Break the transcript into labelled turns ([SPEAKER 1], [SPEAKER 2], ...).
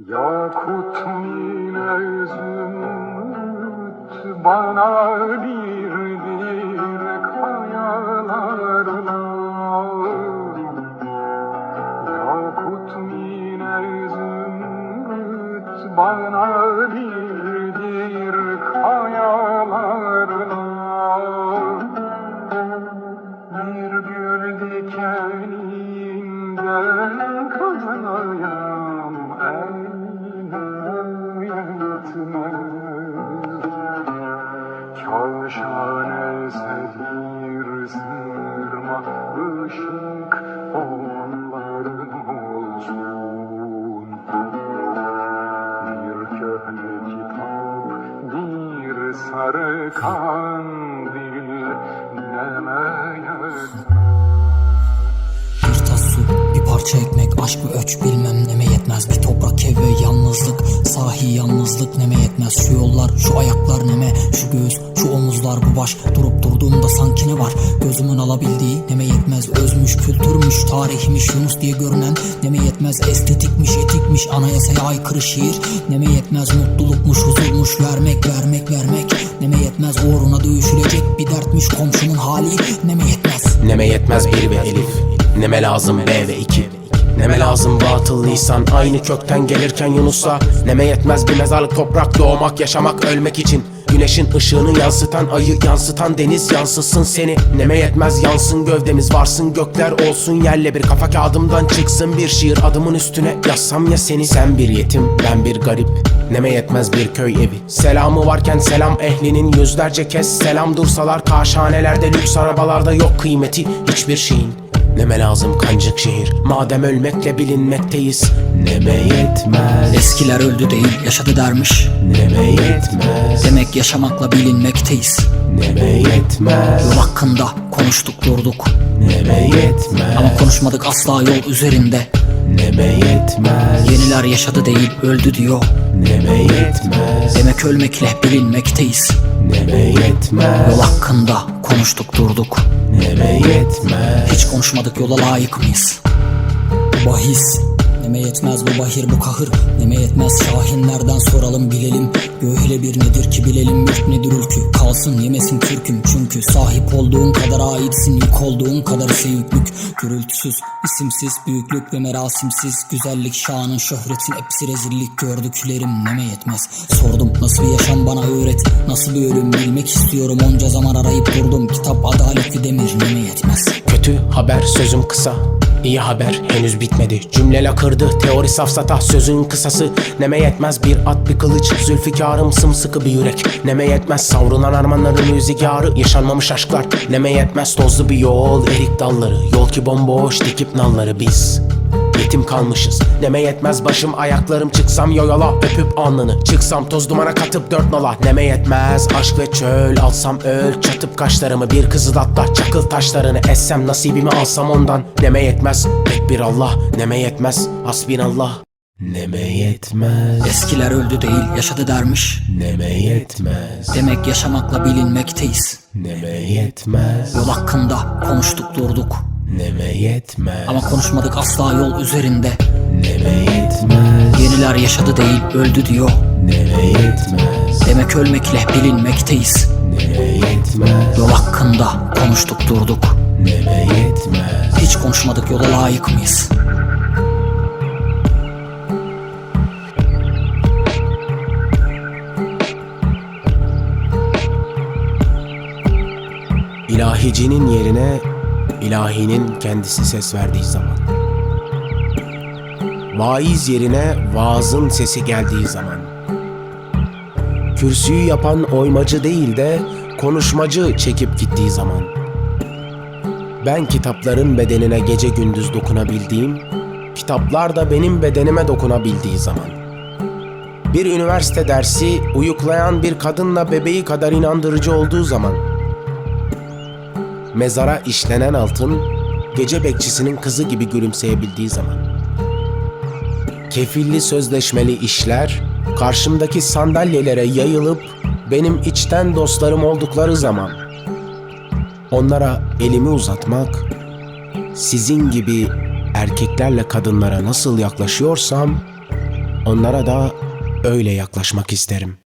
[SPEAKER 1] Yakut mine zümrüt bana birdir kayalarla. Yakut mine zümrüt bana birdir kayalarla. Bir gül dikeninden kanayam Kavşane sedir sırma ışık onların olsun. Bir köhne kitap, bir sarı kandil nemeye
[SPEAKER 2] Bir tas su, bir parça ekmek, aşk mı öç bilmem neme yetmez. Bir toprak ev ve yalnızlık, sahi yalnızlık neme yetmez. Şu yollar, şu ayaklar neme, şu göğüs, şu omuzlar, bu baş. Durup durduğumda sanki ne var, gözümün alabildiği neme yetmez. Özmüş, kültürmüş, tarihmiş, Yunus diye görünen neme yetmez. Estetikmiş, etikmiş, anayasaya aykırı şiir neme yetmez. Mutlulukmuş, huzurmuş, vermek, vermek, vermek neme yetmez. Uğruna dövüşülecek bir dertmiş komşunun hali neme yetmez.
[SPEAKER 3] Neme yetmez bir ve elif, neme lazım B ve 2. Neme lazım batıl lisan, aynı kökten gelirken Yunus'a. Neme yetmez bir mezarlık toprak, doğmak, yaşamak, ölmek için. Güneşin ışığını yansıtan, ayı yansıtan deniz yansıtsın seni. Neme yetmez yansın gövdemiz, varsın gökler olsun yerle bir. Kafa kağıdımdan çıksın bir şiir, adımın üstüne yazsam ya seni. Sen bir yetim, ben bir garip, neme yetmez bir köy evi. Selamı varken selam ehlinin yüzlerce kez selam dursalar. Kaşhanelerde, lüks arabalarda yok kıymeti hiçbir şeyin. Neme lazım kancık şehir, madem ölmekle bilinmekteyiz. Neme yetmez.
[SPEAKER 2] Eskiler öldü değil, yaşadı dermiş.
[SPEAKER 3] Neme yetmez.
[SPEAKER 2] Demek yaşamakla bilinmekteyiz.
[SPEAKER 3] Neme yetmez.
[SPEAKER 2] Yol hakkında konuştuk durduk,
[SPEAKER 3] Neme yetmez.
[SPEAKER 2] ama konuşmadık asla yol üzerinde.
[SPEAKER 3] Neme yetmez.
[SPEAKER 2] Yeniler yaşadı değil, öldü diyor.
[SPEAKER 3] Neme yetmez.
[SPEAKER 2] Demek ölmekle bilinmekteyiz.
[SPEAKER 3] Neme yetmez.
[SPEAKER 2] Yol hakkında konuştuk durduk,
[SPEAKER 3] Neme yetmez.
[SPEAKER 2] hiç konuşmadık, yola layık mıyız? Bahis neme yetmez, bu bahir bu kahır neme yetmez. Şahinlerden soralım bilelim, göğüyle bir nedir ki bilelim. Mülk nedir ülkü, kalsın yemesin kürküm. Çünkü sahip olduğun kadar aitsin, yük olduğun kadar ise yüklük. Gürültüsüz, isimsiz, büyüklük ve merasimsiz. Güzellik, şanın, şöhretin hepsi rezillik. Gördüklerim neme yetmez. Sordum nasıl bir yaşam bana öğret, nasıl bir ölüm bilmek istiyorum. Onca zaman arayıp durdum, kitap adaletli demir neme yetmez.
[SPEAKER 3] Kötü haber sözüm kısa, İyi haber henüz bitmedi. Cümle lakırdı, teori safsata, sözün kısası. Neme yetmez bir at bir kılıç, zülfikarım sımsıkı bir yürek. Neme yetmez savrulan armanların rüzgarı, yaşanmamış aşklar. Neme yetmez tozlu bir yol, erik dalları. Yol ki bomboş, dikip nalları biz yetim kalmışız. Neme yetmez başım ayaklarım, çıksam yola öpüp alnını. Çıksam toz dumana katıp dört nala. Neme yetmez aşk ve çöl, alsam öl çatıp kaşlarımı. Bir kızılatla çakıl taşlarını, essem nasibimi alsam ondan. Neme yetmez tek bir Allah, neme yetmez hasbinallah. Neme yetmez.
[SPEAKER 2] Eskiler öldü değil, yaşadı dermiş.
[SPEAKER 3] Neme yetmez.
[SPEAKER 2] Demek yaşamakla bilinmekteyiz.
[SPEAKER 3] Neme yetmez.
[SPEAKER 2] Yol hakkında konuştuk durduk,
[SPEAKER 3] Neme yetmez.
[SPEAKER 2] ama konuşmadık asla yol üzerinde.
[SPEAKER 3] Neme yetmez.
[SPEAKER 2] Yeniler yaşadı değil, öldü diyor.
[SPEAKER 3] Neme yetmez.
[SPEAKER 2] Demek ölmekle bilinmekteyiz.
[SPEAKER 3] Neme yetmez.
[SPEAKER 2] Yol hakkında konuştuk durduk,
[SPEAKER 3] Neme yetmez.
[SPEAKER 2] hiç konuşmadık, yola layık mıyız?
[SPEAKER 3] İlahicinin yerine ilahinin kendisi ses verdiği zaman. Vaiz yerine vaazın sesi geldiği zaman. Kürsüyü yapan oymacı değil de konuşmacı çekip gittiği zaman. Ben kitapların bedenine gece gündüz dokunabildiğim, kitaplar da benim bedenime dokunabildiği zaman. Bir üniversite dersi uyuklayan bir kadınla bebeği kadar inandırıcı olduğu zaman. Mezara işlenen altın, gece bekçisinin kızı gibi gülümseyebildiği zaman. Kefilli sözleşmeli işler, karşımdaki sandalyelere yayılıp benim içten dostlarım oldukları zaman. Onlara elimi uzatmak, sizin gibi erkeklerle kadınlara nasıl yaklaşıyorsam, Onlara da öyle yaklaşmak isterim.